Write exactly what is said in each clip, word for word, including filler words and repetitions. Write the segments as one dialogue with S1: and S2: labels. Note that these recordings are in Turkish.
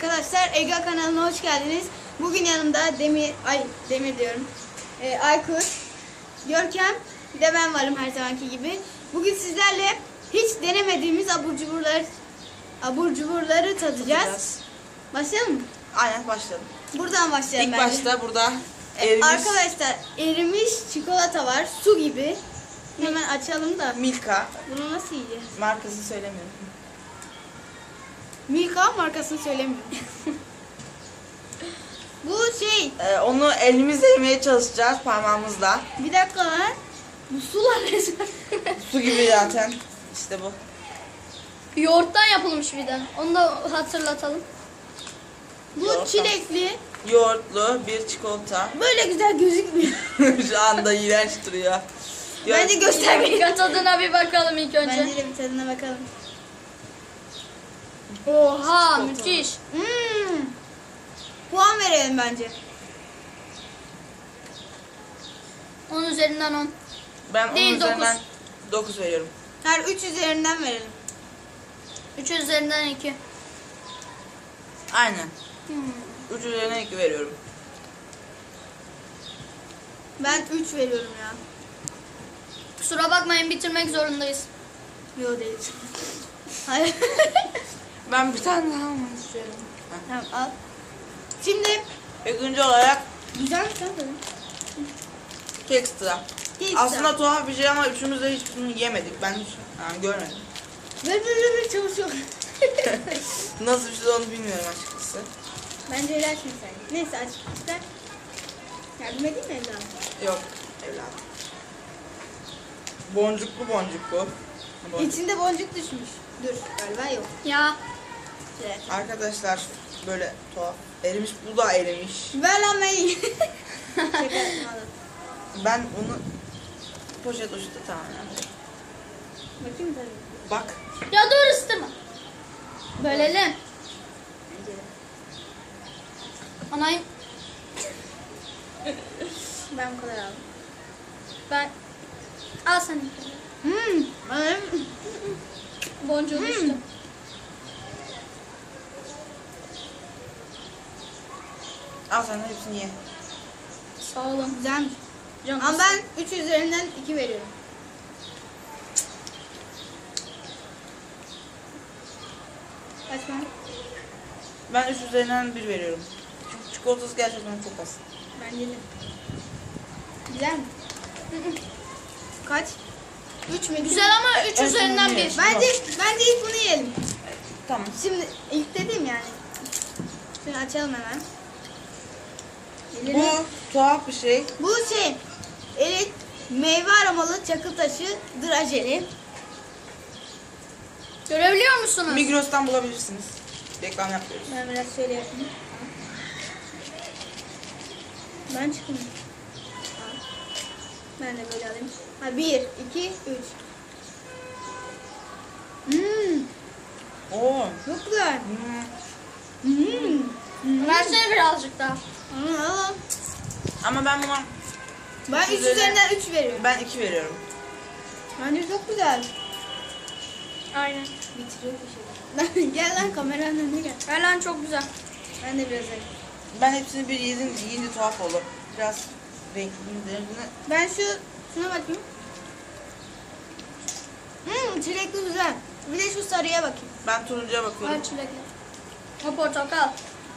S1: Arkadaşlar Ega kanalına hoş geldiniz. Bugün yanımda Demir, ay Demir diyorum. Ee, Aykut, Görkem, bir de ben varım her zamanki gibi. Bugün sizlerle hiç denemediğimiz abur cuburlar, abur cuburları tadacağız.
S2: Tadacağız.
S1: Başlayalım mı?
S2: Aynen başlayalım.
S1: Buradan başlayalım
S2: İlk
S1: bence.
S2: başta burada
S1: Ee,
S2: erimiş
S1: Arkadaşlar erimiş çikolata var, su gibi. Hemen açalım da.
S2: Milka.
S1: Bunu nasıl yiyeceğiz?
S2: Markasını söylemiyorum.
S1: Milka markasını söylemiyorum. Bu şey,
S2: Ee, onu elimizle yemeye çalışacağız parmağımızla.
S1: bir dakika lan. Bu sular resmen.
S2: Su gibi zaten. İşte bu.
S3: Yoğurttan yapılmış bir de. Onu da hatırlatalım.
S1: Bu
S2: Yoğurttan.
S1: çilekli.
S2: Yoğurtlu bir çikolata.
S1: Böyle güzel gözükmüyor.
S2: Şu anda iğrenç duruyor.
S1: Bence göstermeyin.
S3: Bir tadına bir bakalım ilk önce.
S1: Bence de bir tadına bakalım.
S3: Oha müthiş.
S1: Hmm. Puan verelim bence.
S3: on üzerinden on.
S2: Ben onun
S3: Değil,
S2: üzerinden dokuz veriyorum.
S1: Her üç üzerinden verelim.
S3: üç üzerinden iki.
S2: Aynen.
S3: Hmm.
S2: üç üzerinden iki veriyorum.
S1: Ben üç veriyorum ya.
S3: Kusura bakmayın bitirmek zorundayız.
S1: Yo değil. Hayır.
S2: Ben bir tane daha almak istiyorum.
S1: Tamam al. Şimdi
S2: İkinci olarak
S1: güzel mi sen de?
S2: Kekstra.
S1: Kekstra.
S2: Aslında tuhaf bir şey ama üçümüz de hiç bunu yemedik. Ben hiç yani görmedim.
S1: Ver ver ver ver çabuk çabuk.
S2: Nasıl bir şey onu bilmiyorum açıkçası.
S1: Bence öyle açma sen. Neyse aç. İster. Yardım edeyim mi evladım?
S2: Yok evladım. Boncuklu boncuklu. Boncuk.
S1: İçinde boncuk düşmüş. Dur galiba yok.
S3: Ya
S1: Şöyle.
S2: Arkadaşlar böyle tuhaf. Erimiş, bu da erimiş.
S1: Ver lan ben yiyeyim. Şaka yapmadım.
S2: Ben onu poşet uçtu tamam.
S1: Bakayım tabii.
S2: Bak.
S3: ya dur ısıtırma. Bölelim.
S1: Bence de.
S3: Anayım.
S1: Ben bu kadar aldım.
S3: Ben. Al sen.
S1: Hmm. Ben...
S3: Boncuğu
S1: Hmm.
S3: düştü.
S2: Al sen de hepsini ye.
S3: Sağ olun.
S1: Güzelmiş.
S3: Canım.
S1: Ama ben üç üzerinden iki veriyorum. Kaç ben?
S2: Ben üç üzerinden bir veriyorum. Çünkü çikolatası gerçekten çok az.
S1: Bence de. Güzel mi? Kaç? üç mü?
S3: Güzel ama üç
S2: en
S3: üzerinden
S2: son
S3: bir.
S2: yiyelim.
S1: Bence bence ilk bunu yiyelim.
S2: Tamam.
S1: Şimdi ilk dediğim yani. Şimdi açalım hemen.
S2: Bu
S1: Elini-
S2: tuhaf bir şey.
S1: Bu şey. Evet. Meyve aromalı çakıl taşı drajeli.
S3: Görebiliyor musunuz?
S2: Migros'tan bulabilirsiniz. Reklam yapıyoruz.
S1: Ben biraz şöyle yapayım. Ben çıkayım. Al. Ben de böyle alayım. Ha bir, iki, üç. Hmm,
S2: Oo.
S1: çok güzel.
S2: Hmm.
S1: Hmm.
S3: Versene birazcık daha.
S1: Al, al.
S2: Ama ben buna
S1: Ben
S2: Üç
S1: üç
S2: üzerinden-
S1: üzerinden üç veriyorum.
S2: ben iki veriyorum.
S1: Bence çok güzel.
S3: Aynen.
S1: Bitiriyor bir şey. Gel lan kameranın önüne gel.
S3: Ver lan çok güzel.
S1: Ben de biraz alayım.
S2: Ben hepsini bir yedim, yiyince tuhaf oldu. Biraz renkli renkli.
S1: Ben şu şuna bakayım. Hmm, çilekli güzel. Bir de şu sarıya bakayım.
S2: Ben turuncuya bakıyorum.
S3: Ver çilekli. O portakal.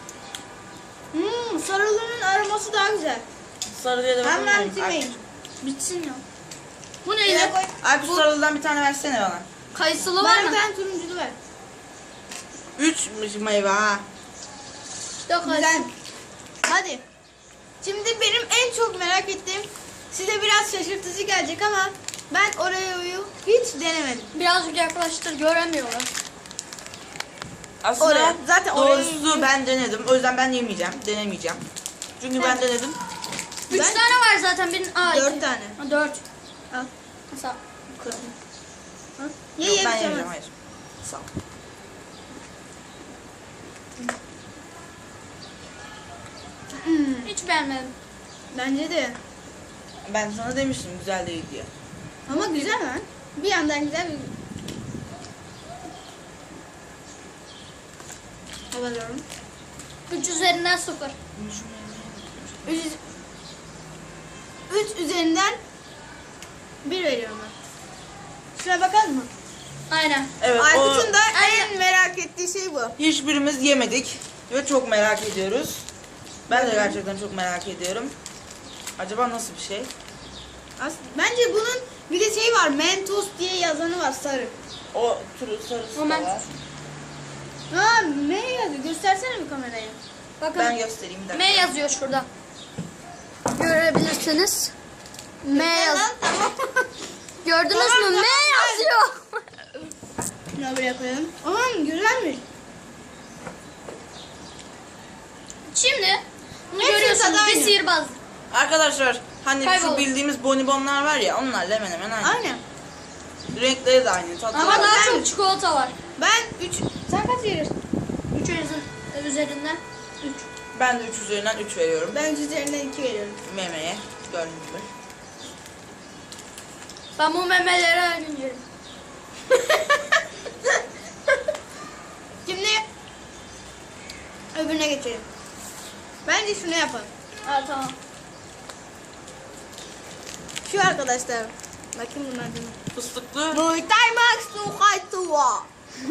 S1: Hmm, sarılının aroması daha güzel.
S2: Sarılıya da
S1: Hemen
S2: bakıyorum.
S1: bitirmeyin.
S3: Bitsin ya. Bu
S1: Yine
S3: neydi?
S1: koy.
S2: Ay bu sarılıdan bir tane versene bana.
S3: Kayısılı var
S1: Bana
S3: mı?
S1: bir tane turunculu ver.
S2: Üç meyve ha.
S3: Yok
S1: Güzel.
S3: kayısı.
S1: Hadi. Şimdi benim en çok merak ettiğim, size biraz şaşırtıcı gelecek ama ben Oreo'yu hiç denemedim.
S3: Birazcık yaklaştır göremiyorlar.
S2: Aslında
S1: Oreo. Zaten
S2: doğrusu
S1: Oreo'yu-
S2: ben denedim. O yüzden ben yemeyeceğim. Denemeyeceğim. Çünkü ben
S1: Evet.
S2: denedim.
S3: Üç
S1: Ben-
S3: tane var zaten. Benim... Aa,
S1: Dört
S3: iki.
S1: tane.
S3: Ha, dört.
S1: Al.
S3: Mesela.
S1: Al. Ye
S2: Yok
S1: ye
S2: ben
S1: bir şey
S2: yemeyeceğim
S1: olmaz.
S2: hayır. Sağ ol.
S1: Hmm,
S3: Hiç beğenmedim.
S1: bence de.
S2: Ben sana demiştim güzel değil diye.
S1: Ama güzel lan. Bir yandan güzel bir... Alıyorum.
S3: üç üzerinden sıfır.
S1: üç, üç üzerinden bir veriyorum ben. Şuna bakalım mı?
S3: Aynen.
S2: Evet, o
S1: Aykut'un da
S3: Aynen.
S1: en merak ettiği şey bu.
S2: hiçbirimiz yemedik ve çok merak ediyoruz. Ben de gerçekten çok merak ediyorum. Acaba nasıl bir şey?
S1: As- Bence bunun bir de şey var. Mentos diye yazanı var sarı.
S2: O turu sarısı
S3: O
S2: da
S3: men-
S2: var.
S1: Ha ne yazıyor? Göstersene bir kameraya.
S3: Bakın
S2: Ben göstereyim bir dakika.
S3: M yazıyor şurada. Görebilirsiniz. M yaz.
S1: Tamam, tamam.
S3: Gördünüz
S1: Tamam,
S3: mü? M
S1: tamam.
S3: yazıyor.
S1: Şunu buraya koyalım. Aman güzelmiş.
S3: Şimdi bunu
S1: Hepsi
S3: görüyorsunuz
S1: tadı
S3: bir
S1: aynı.
S3: sihirbaz.
S2: Arkadaşlar hani
S3: Kayboldu.
S2: şu bildiğimiz bonibonlar var ya onlarla hemen hemen aynı.
S1: Aynen.
S2: Renkleri de aynı. Tatlı
S3: Ama
S2: da-
S3: daha
S1: ben-
S3: çok çikolata var.
S1: Ben üç... Sen kaç verirsin?
S3: üç üzerinden üç.
S2: Ben de üç üzerinden üç veriyorum.
S1: Ben üç üzerinden iki veriyorum.
S2: Memeye. Gördüğünüz gibi.
S3: Ben bu memeleri her gün yerim.
S1: Şimdi öbürüne geçelim. Bence şunu yapalım.
S3: Ha tamam.
S1: Şu arkadaşlar. Bakayım bunlar değil mi?
S2: Fıstıklı.
S1: Muay Thai Max to Kaitua.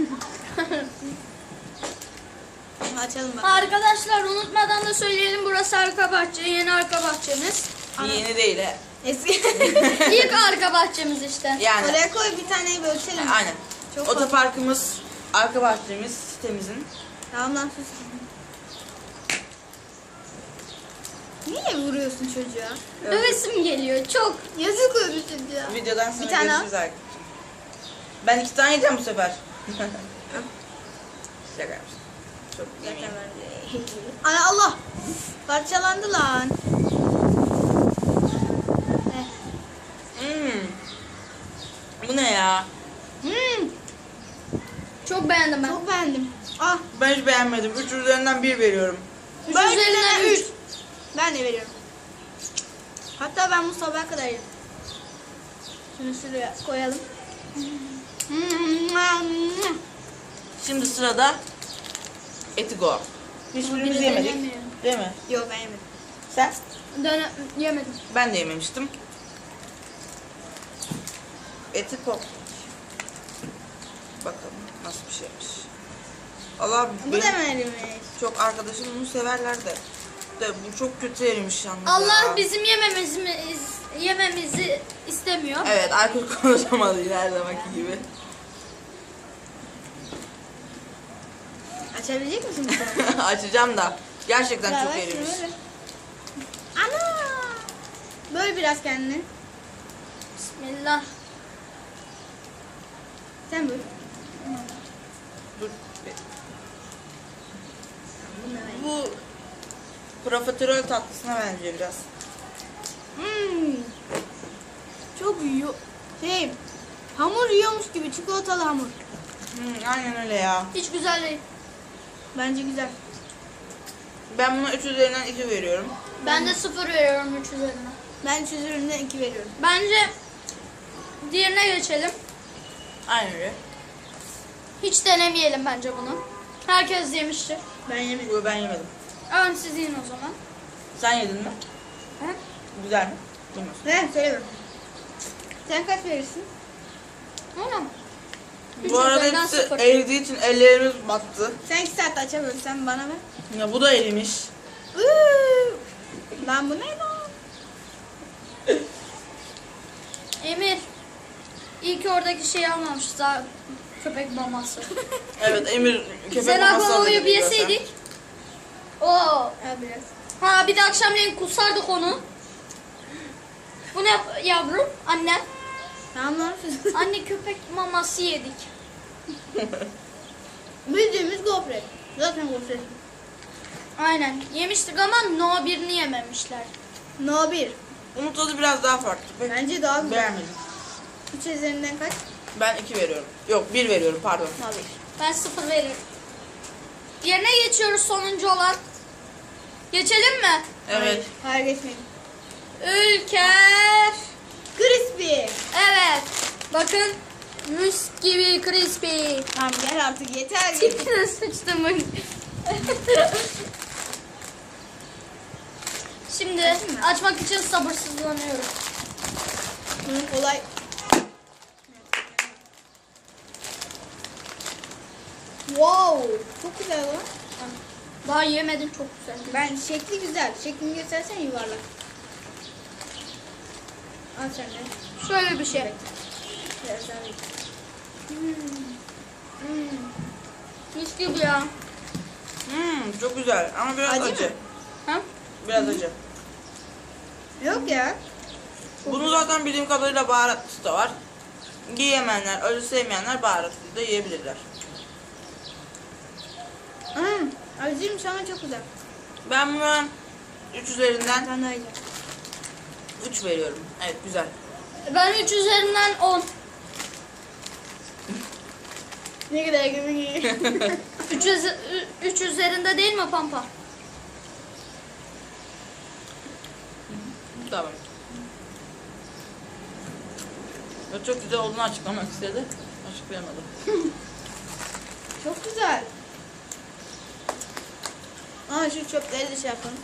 S1: Açalım bak.
S3: Arkadaşlar unutmadan da söyleyelim, burası arka bahçe, yeni arka bahçemiz.
S2: Yeni değil he.
S1: Eski.
S3: İlk arka bahçemiz işte.
S2: Yani
S1: Oraya koy bir taneyi bölüşelim.
S2: aynen.
S1: Çok fazla.
S2: Otoparkımız, arka bahçemiz, sitemizin.
S1: Tamam lan sus. Niye vuruyorsun çocuğa?
S3: Övesim geliyor çok.
S1: Yazık öbür çocuğa.
S2: Videodan sonra
S1: Bir tane
S2: görüşürüz arkadaşlar. Ben iki tane yiyeceğim bu sefer. Şaka yapmıştım. Çok yemeyeyim.
S1: Ana Allah. Parçalandı lan. Eh.
S2: Hmm. Bu ne ya?
S1: Hmm,
S3: Çok beğendim ben.
S1: çok beğendim. Ah.
S2: Ben hiç beğenmedim. üç üzerinden bir veriyorum.
S3: Üç
S1: Ben
S3: üzerinden
S1: üzerinden
S3: üç.
S1: üç. Ben de veriyorum. Hatta ben bu sabaha kadar yedim. Şunu şuraya koyalım.
S2: Şimdi sırada Etigo. Hiçbirimiz
S3: Biri
S2: yemedik.
S3: denemiyor.
S2: Değil mi?
S1: Yok ben yemedim.
S2: Sen?
S3: Döne yemedim.
S2: Ben de yememiştim. Etigo. Bakalım nasıl bir şeymiş. Allah
S1: Bu
S2: benim
S1: da mı erimiş?
S2: çok arkadaşım bunu severler de. De bu çok kötü erimiş yalnız
S3: Allah
S2: ya.
S3: bizim yememizi yememizi istemiyor.
S2: Evet, Aykut konuşamadı yine her zamanki gibi.
S1: Açabilecek misin bu tarafa?
S2: Açacağım da. Gerçekten
S1: Ya
S2: çok
S1: ver şunu,
S2: erimiş.
S1: ver. Ana! Böyle biraz kendini.
S3: Bismillah.
S1: Sen böyle.
S2: Dur. Bu profiterol tatlısına benziyor biraz.
S1: Hmm. Çok yiyor. Şey, hamur yiyormuş gibi çikolatalı hamur.
S2: Hmm, aynen öyle ya.
S3: Hiç güzel değil.
S1: Bence güzel.
S2: Ben buna üç üzerinden iki veriyorum.
S3: Ben de sıfır veriyorum üç üzerinden.
S1: Ben üç üzerinden iki veriyorum.
S3: Bence diğerine geçelim.
S2: Aynen öyle.
S3: Hiç denemeyelim bence bunu. Herkes yemiştir.
S1: Ben yemedim.
S2: Bu ben yemedim.
S3: Ön siz yiyin o zaman.
S2: Sen yedin mi?
S3: He?
S2: Güzel mi? Bilmiyorum.
S1: Ne? Söylemiyorum. Sen kaç verirsin?
S3: Öyle mi? Üç
S2: Bu arada
S3: üzerinden
S2: hepsi
S3: sıfır.
S2: eridiği için ellerimiz battı.
S1: Sen iki saatte açamıyorsun. Sen bana ver.
S2: Ya bu da erimiş.
S1: Iıı. Lan bu ne lan?
S3: Emir. İyi ki oradaki şeyi almamışız daha köpek maması.
S2: Evet, Emir köpek
S3: Sen
S2: maması
S3: aklıma
S2: aldı
S3: uyup
S2: gibi
S3: yeseydik. Oo.
S1: Al biraz.
S3: Ha bir de akşamleyin kusardık onu. Bu ne yavrum? Anne.
S1: Tamam lan. sus.
S3: Anne köpek maması yedik.
S1: Bildiğimiz gofret. Zaten gofret.
S3: Aynen. Yemiştik ama no birini yememişler.
S1: No bir.
S2: Onun tadı biraz daha farklı. Pek
S1: Bence daha güzel.
S2: beğenmedim.
S1: üç üzerinden kaç?
S2: Ben iki veriyorum. Yok, bir veriyorum pardon.
S1: No bir.
S3: Ben sıfır veririm. Yerine geçiyoruz sonuncu olan. Geçelim mi?
S2: Evet.
S1: Hayır geçmeyin.
S3: Ülker.
S1: Crispy.
S3: Evet. Bakın. Müs gibi crispy.
S1: Tamam gel artık yeter.
S3: Tipine sıçtım. Şimdi
S1: Açayım mı?
S3: açmak için sabırsızlanıyorum.
S1: Bunun kolay. Wow, çok güzel lan.
S3: Daha yemedim, çok güzel.
S1: Ben şekli güzel. Şeklini göstersen yuvarlak. Al sen de.
S3: Şöyle bir şey.
S1: Biraz daha ver. Hmm. Hmm.
S3: Mis gibi ya.
S2: Hmm, çok güzel ama biraz
S1: Acı
S2: acı.
S1: mı?
S3: Ha?
S2: Biraz acı.
S1: Yok ya.
S2: Bunun zaten bildiğim kadarıyla baharatlısı da var. Yiyemeyenler, acı sevmeyenler baharatlı da yiyebilirler.
S1: Hmm. Acıymış ama çok güzel.
S2: Ben buna üç üzerinden
S1: Ben daha iyi.
S2: üç veriyorum. Evet, güzel.
S3: Ben üç üzerinden on.
S1: Ne kadar gibi.
S3: üç üzerinde değil mi Pampa?
S2: Tamam. Ve çok güzel olduğunu açıklamak istedi. Açıklayamadım.
S1: Çok güzel. Aa şu çöpleri de şey yapalım.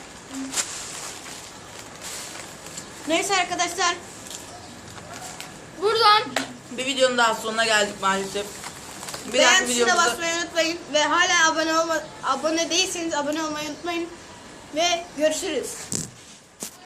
S1: Neyse arkadaşlar.
S3: Buradan
S2: Bir videonun daha sonuna geldik maalesef. Bir dahaki
S1: Beğen tuşuna
S2: videomuzda
S1: basmayı unutmayın. Ve hala abone olma, abone değilseniz abone olmayı unutmayın. Ve görüşürüz.